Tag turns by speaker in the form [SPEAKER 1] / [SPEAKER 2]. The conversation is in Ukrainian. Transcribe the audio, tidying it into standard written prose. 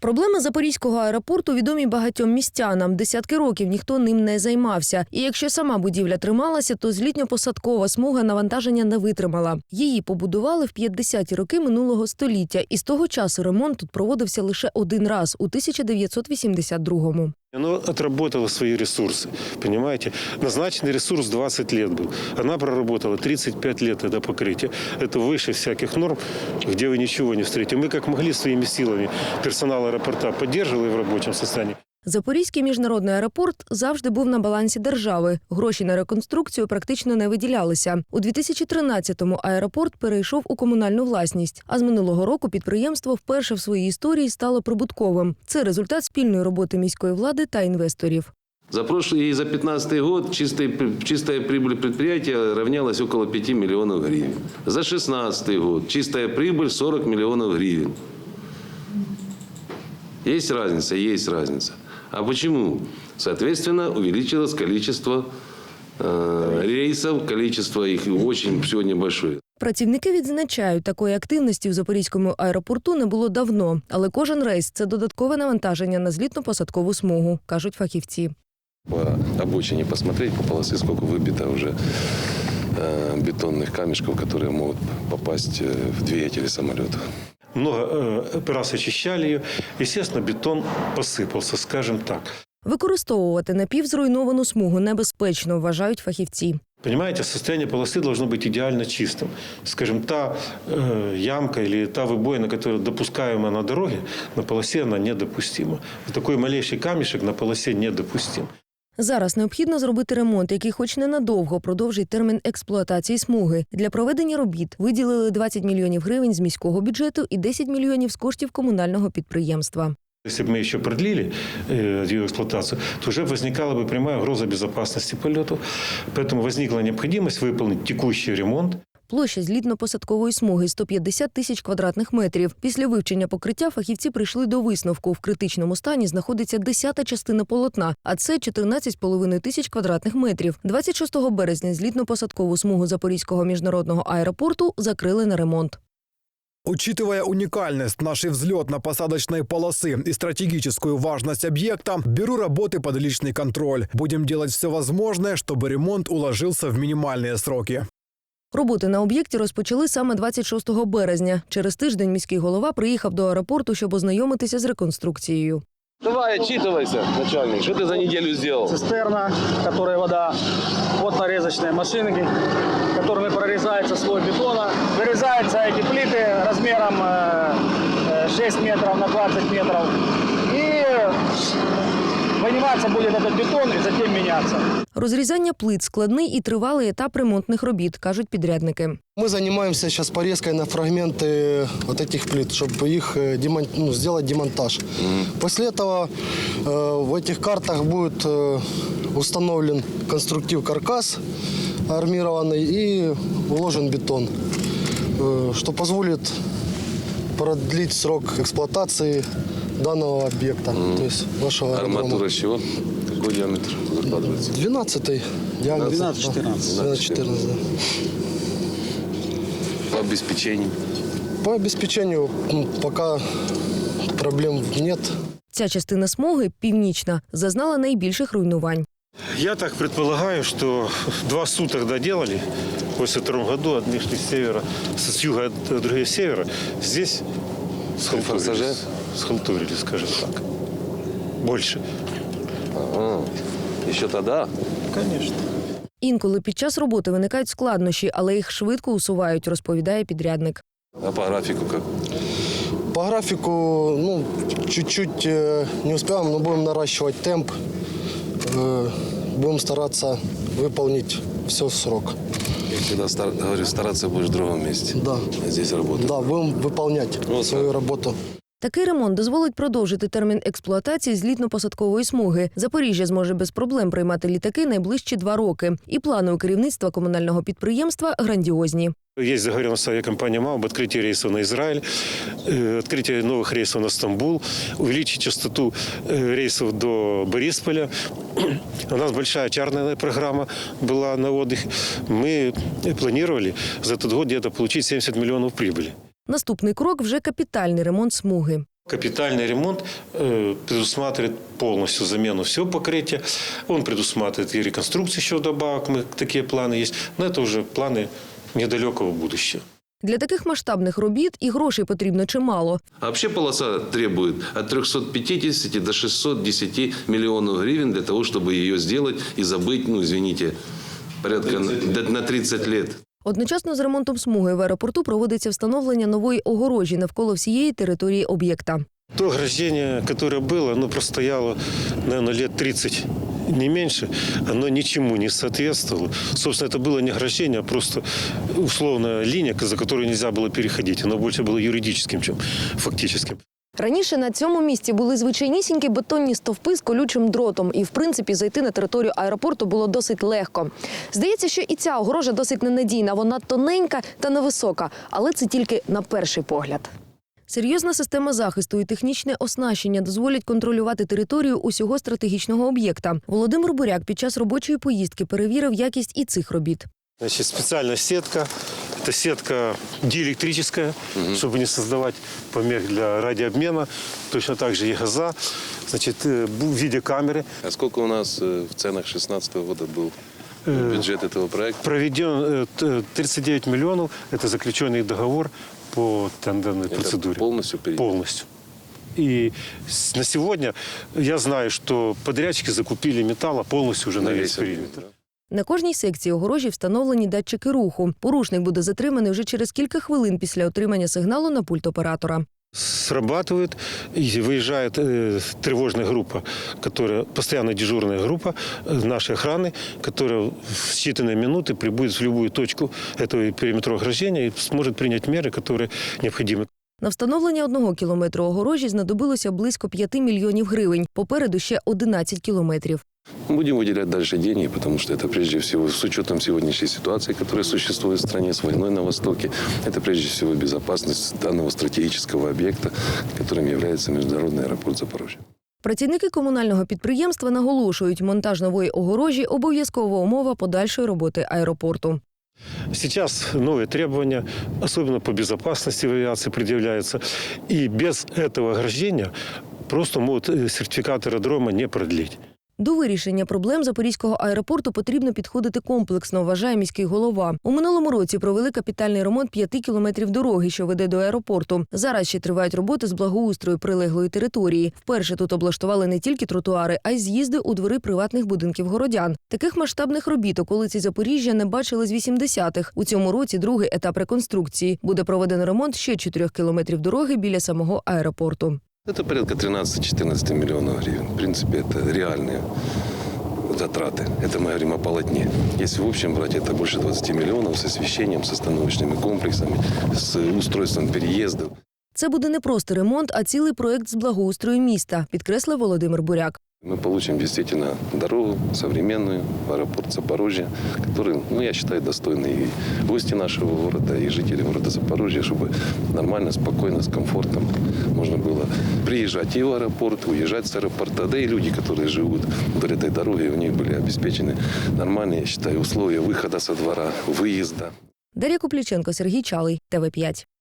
[SPEAKER 1] Проблеми Запорізького аеропорту відомі багатьом містянам. Десятки років ніхто ним не займався. І якщо сама будівля трималася, то злітньо-посадкова смуга навантаження не витримала. Її побудували в 50-ті роки минулого століття. І з того часу ремонт тут проводився лише один раз – у 1982-му.
[SPEAKER 2] Оно отработало свои ресурсы, понимаете? Назначенный ресурс 20 лет был. Она проработала 35 лет это покрытие. Это выше всяких норм, где вы ничего не встретите. Мы как могли своими силами персонал аэропорта поддерживали в рабочем состоянии.
[SPEAKER 1] Запорізький міжнародний аеропорт завжди був на балансі держави. Гроші на реконструкцію практично не виділялися. У 2013-му аеропорт перейшов у комунальну власність. А з минулого року підприємство вперше в своїй історії стало прибутковим. Це результат спільної роботи міської влади та інвесторів.
[SPEAKER 3] За прошлый и за 2015 год чистая прибыль предприятия равнялась около 5 миллионов гривен. За 2016 год чистая прибыль 40 миллионов гривен. Есть разница, есть разница. А почему? Соответственно, увеличилось количество рейсов, количество их очень сегодня большое.
[SPEAKER 1] Працівники відзначають, такої активності в Запорізькому аеропорту не було давно. Але кожен рейс – це додаткове навантаження на злітно-посадкову смугу, кажуть фахівці.
[SPEAKER 3] По обочине посмотреть, по полосе, сколько выбито уже бетонных камешков, которые могут попасть в двигатели самолета.
[SPEAKER 2] Много раз очищали ее. Естественно, бетон посыпался, скажем так.
[SPEAKER 1] Використовувати напівзруйновану смугу небезпечно, вважають фахівці.
[SPEAKER 2] Понимаете, состояние полосы должно быть идеально чистым. Скажем, та ямка или та выбоина, которая допускаема на дороге, на полосе она недопустима. Такой малейший камешек на полосе недопустим.
[SPEAKER 1] Зараз необхідно зробити ремонт, який хоч ненадовго продовжить термін експлуатації смуги. Для проведення робіт виділили 20 мільйонів гривень з міського бюджету і 10 мільйонів з коштів комунального підприємства.
[SPEAKER 2] Если бы мы еще продлили ее эксплуатацию, то уже возникала бы прямая угроза безопасности полетов. Поэтому возникла необходимость выполнить текущий ремонт.
[SPEAKER 1] Площа злітно-посадкової смуги – 150 тисяч квадратних метрів. Після вивчення покриття фахівці прийшли до висновку. В критичному стані знаходиться 10-та частина полотна, а це 14,5 тисяч квадратних метрів. 26 березня злітно-посадкову смугу Запорізького міжнародного аеропорту закрили на ремонт.
[SPEAKER 4] Учитывая уникальность нашей взлетно-посадочной полосы и стратегическую важность объекта, беру работы под личный контроль. Будем делать все возможное, чтобы ремонт уложился в минимальные сроки.
[SPEAKER 1] Роботи на об'єкті розпочали саме 26 березня. Через тиждень міський голова приїхав до аеропорту, щоб ознайомитися з реконструкцією.
[SPEAKER 3] Давай, отчитывайся, начальник. Что ты за неделю сделал?
[SPEAKER 5] Цистерна, в которой вода, вот нарезочные машинки, которыми прорезается слой бетона. Вырезаются эти плиты размером 6 метров на 20 метров. И выниматься будет этот бетон и затем меняться.
[SPEAKER 1] Розрізання плит – складний і тривалий етап ремонтних робіт, кажуть підрядники.
[SPEAKER 6] Мы занимаемся сейчас порезкой на фрагменты вот этих плит, чтобы их сделать демонтаж. После этого в этих картах будет установлен конструктив каркас армированный и уложен бетон, что позволит продлить срок эксплуатации данного объекта, то есть вашего аэродрома.
[SPEAKER 3] Арматура с чего? Какой диаметр закладывается?
[SPEAKER 6] 12-й диаметр.
[SPEAKER 5] 12-14.
[SPEAKER 6] 12-14, да.
[SPEAKER 3] По обеспечению?
[SPEAKER 6] По обеспечению пока проблем нет.
[SPEAKER 1] Ця частина смуги, північна, зазнала найбільших руйнувань.
[SPEAKER 2] Я так предполагаю, что 2 суток доделали в 1982 году. Одни шли с севера, с юга, а другие с севера. Здесь схалтурили, скажем так. Больше.
[SPEAKER 3] Ага. Еще тогда?
[SPEAKER 2] Конечно.
[SPEAKER 1] Інколи під час роботи виникають складнощі, але їх швидко усувають, розповідає підрядник.
[SPEAKER 3] А по графику как?
[SPEAKER 6] По графику, чуть-чуть не успеваем, но будем наращивать темп. Будем стараться выполнить все в срок.
[SPEAKER 3] Я всегда говорю, стараться будешь в другом месте.
[SPEAKER 6] Да.
[SPEAKER 3] А здесь работать.
[SPEAKER 6] Да, будем выполнять свою работу.
[SPEAKER 1] Такий ремонт дозволить продовжити термін експлуатації злітно-посадкової смуги. Запоріжжя зможе без проблем приймати літаки найближчі 2 роки. І плани у керівництва комунального підприємства грандіозні.
[SPEAKER 2] Есть договоренность с авиакомпанией МАУ об открытии рейсов на Израиль, открытие новых рейсов на Стамбул, увеличить частоту рейсов до Борисполя. У нас большая чарная программа была на отдых. Мы планировали за этот год где-то получить 70 миллионов прибыли.
[SPEAKER 1] Наступний крок – вже капітальний ремонт смуги.
[SPEAKER 2] Капитальный ремонт предусматривает полностью замену всего покрытия. Он предусматривает и реконструкцию еще вдобавок. Такие планы есть. Но это уже планы недалекого будущего.
[SPEAKER 1] Для таких масштабних робіт і грошей потрібно чимало.
[SPEAKER 3] А вообще полоса требует от 350 до 610 миллионов гривен для того, чтобы ее сделать и забыть, ну, извините, порядка на 30 лет.
[SPEAKER 1] Одночасно з ремонтом смуги в аеропорту проводиться встановлення нової огорожі навколо всієї території об'єкта.
[SPEAKER 2] То ограждение, которое было, оно простояло, наверное, лет 30, не меньше. Оно ничему не соответствовало. Собственно, это было не ограждение, а просто условная линия, за которую нельзя было переходить. Оно больше было юридическим, чем фактическим.
[SPEAKER 1] Раніше на цьому місці були звичайнісінькі бетонні стовпи з колючим дротом. І, в принципі, зайти на територію аеропорту було досить легко. Здається, що і ця огорожа досить ненадійна. Вона тоненька та невисока. Але це тільки на перший погляд. Серйозна система захисту і технічне оснащення дозволять контролювати територію усього стратегічного об'єкта. Володимир Буряк під час робочої поїздки перевірив якість і цих робіт.
[SPEAKER 2] Значит, специальная сетка. Это сетка диэлектрическая, чтобы не создавать помех для радиообмена. Точно так же и газа. Значит, в виде камеры.
[SPEAKER 3] А сколько у нас в ценах 2016 года был бюджет этого проекта?
[SPEAKER 2] Проведен 39 миллионов. Это заключенный договор по тендерной процедуре.
[SPEAKER 3] Полностью перейдет?
[SPEAKER 2] Полностью. И на сегодня я знаю, что подрядчики закупили металла полностью уже на весь периметр.
[SPEAKER 1] На кожній секції огорожі встановлені датчики руху. Порушник буде затриманий вже через кілька хвилин після отримання сигналу на пульт оператора.
[SPEAKER 2] Срабатывает и выезжает тревожная группа, которая постоянно дежурная группа нашей охраны, которая в считанные минуты прибудет в любую точку этого периметра ограждения и сможет принять меры, которые необходимы.
[SPEAKER 1] На встановлення 1 кілометру огорожі знадобилося близько 5 мільйонів гривень. Попереду ще 11 кілометрів.
[SPEAKER 3] Будем выделять дальше деньги, потому что это прежде всего, с учетом сегодняшней ситуации, которая существует в стране, с войной на Востоке, это прежде всего безопасность данного стратегического объекта, которым является международный аэропорт Запорожья.
[SPEAKER 1] Працівники комунального підприємства наголошують, монтаж нової огорожі – обов'язкова умова подальшої роботи аеропорту.
[SPEAKER 2] Сейчас новые требования, особенно по безопасности в авиации, предъявляются. И без этого ограждения просто могут сертификат аэродрома не продлить.
[SPEAKER 1] До вирішення проблем Запорізького аеропорту потрібно підходити комплексно, вважає міський голова. У минулому році провели капітальний ремонт 5 кілометрів дороги, що веде до аеропорту. Зараз ще тривають роботи з благоустрою прилеглої території. Вперше тут облаштували не тільки тротуари, а й з'їзди у двори приватних будинків городян. Таких масштабних робіт околиці Запоріжжя не бачили з 80-х. У цьому році другий етап реконструкції. Буде проведено ремонт ще 4 кілометрів дороги біля самого аеропорту.
[SPEAKER 3] Это порядка 13-14 миллионов гривен. В принципе, это реальные затраты. Это мы говорим о полотне. Если в общем брать, это больше 20 миллионов с освещением, с остановочными комплексами, с устройством переездов.
[SPEAKER 1] Це буде не просто ремонт, а цілий проект з благоустрою міста, підкреслив Володимир Буряк.
[SPEAKER 3] Мы получим действительно дорогу современную в аэропорт Запорожья, который, я считаю, достойны и гости нашего города, и жители города Запорожья, чтобы нормально, спокойно, с комфортом можно было приезжать и в аэропорт, уезжать с аэропорта, да и люди, которые живут вдоль этой дороги, у них были обеспечены нормальные, я считаю, условия выхода со двора, выезда.
[SPEAKER 1] Дар'я Купліченко, Сергій Чалий, ТВ5.